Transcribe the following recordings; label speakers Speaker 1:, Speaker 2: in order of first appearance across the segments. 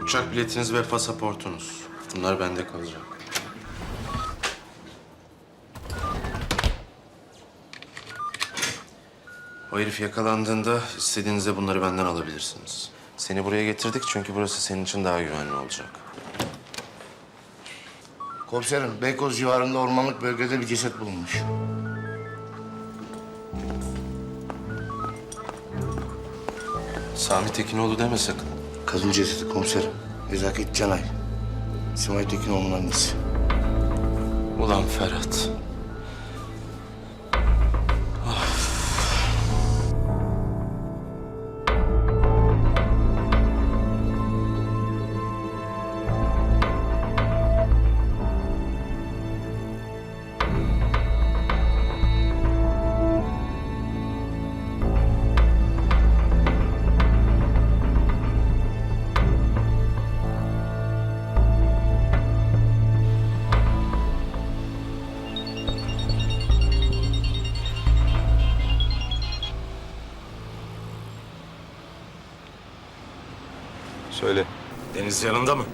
Speaker 1: Uçak biletiniz ve pasaportunuz. Bunlar bende kalacak. O herif yakalandığında istediğinizde bunları benden alabilirsiniz. Seni buraya getirdik çünkü burası senin için daha güvenli olacak.
Speaker 2: Komiserim, Beykoz civarında ormanlık bölgede bir ceset bulunmuş.
Speaker 1: Sami Tekinoğlu deme sakın.
Speaker 2: Kadın cesedi komiserim. Nezaket Canay. Simay Tekinoğlu'nun annesi.
Speaker 1: Ulan Ferhat.
Speaker 3: Söyle.
Speaker 4: Deniz yanında mı?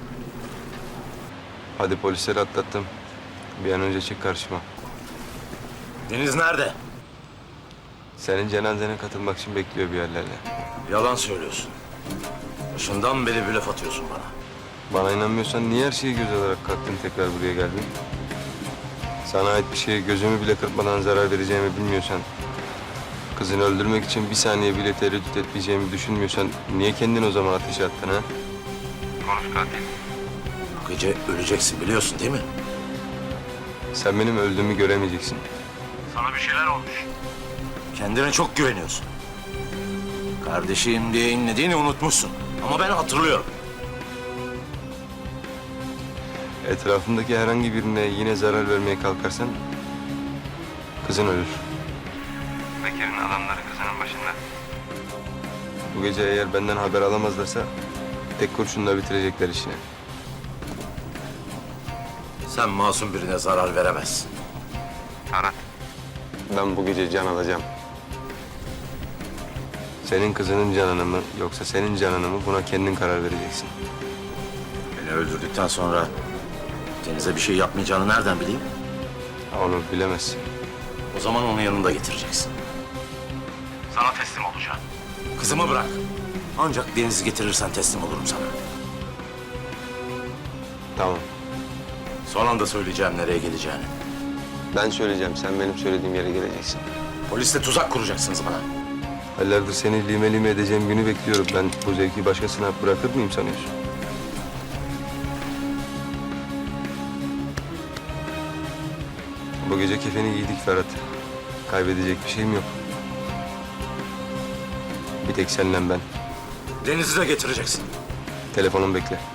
Speaker 3: Hadi polisleri atlattım. Bir an önce çık karşıma.
Speaker 4: Deniz nerede?
Speaker 3: Senin cenazene katılmak için bekliyor bir yerlerde.
Speaker 4: Yalan söylüyorsun. Başından beri blöf atıyorsun bana.
Speaker 3: Bana inanmıyorsan niye her şeyi göz alarak kalktın tekrar buraya geldin? Sana ait bir şeye gözümü bile kırpmadan zarar vereceğimi bilmiyorsan... ...kızını öldürmek için bir saniye bile tereddüt etmeyeceğimi düşünmüyorsan... ...niye kendini o zaman ateşe attın ha? Konuş katil.
Speaker 4: Bu gece öleceksin biliyorsun değil mi?
Speaker 3: Sen benim öldüğümü göremeyeceksin.
Speaker 4: Sana bir şeyler olmuş. Kendine çok güveniyorsun. Kardeşim diye inlediğini unutmuşsun. Ama ben hatırlıyorum.
Speaker 3: Etrafındaki herhangi birine yine zarar vermeye kalkarsan... ...kızın ölür. Bekir'in adamları kızının başında. Bu gece eğer benden haber alamazlarsa... ...tek kurşunla bitirecekler işini.
Speaker 4: Sen masum birine zarar veremezsin.
Speaker 3: Ferhat. Ben bu gece can alacağım. Senin kızının canını mı yoksa senin canını mı buna kendin karar vereceksin.
Speaker 4: Beni öldürdükten sonra Deniz'e bir şey yapmayacağını nereden bileyim?
Speaker 3: Onu bilemezsin.
Speaker 4: O zaman onu yanında getireceksin. Sana teslim olacağım. Kızımı bırak. Ancak Deniz'i getirirsen teslim olurum sana.
Speaker 3: Tamam.
Speaker 4: Son anda söyleyeceğim nereye geleceğini.
Speaker 3: Ben söyleyeceğim. Sen benim söylediğim yere geleceksin.
Speaker 4: Polisle tuzak kuracaksınız bana.
Speaker 3: Aylardır seni lime lime edeceğim günü bekliyorum. Ben bu zevki başkasına bırakır mıyım sanıyorsun? Bu gece kefeni giydik Ferhat. Kaybedecek bir şeyim yok. Bir tek seninle ben.
Speaker 4: Deniz'i de getireceksin.
Speaker 3: Telefonum bekle.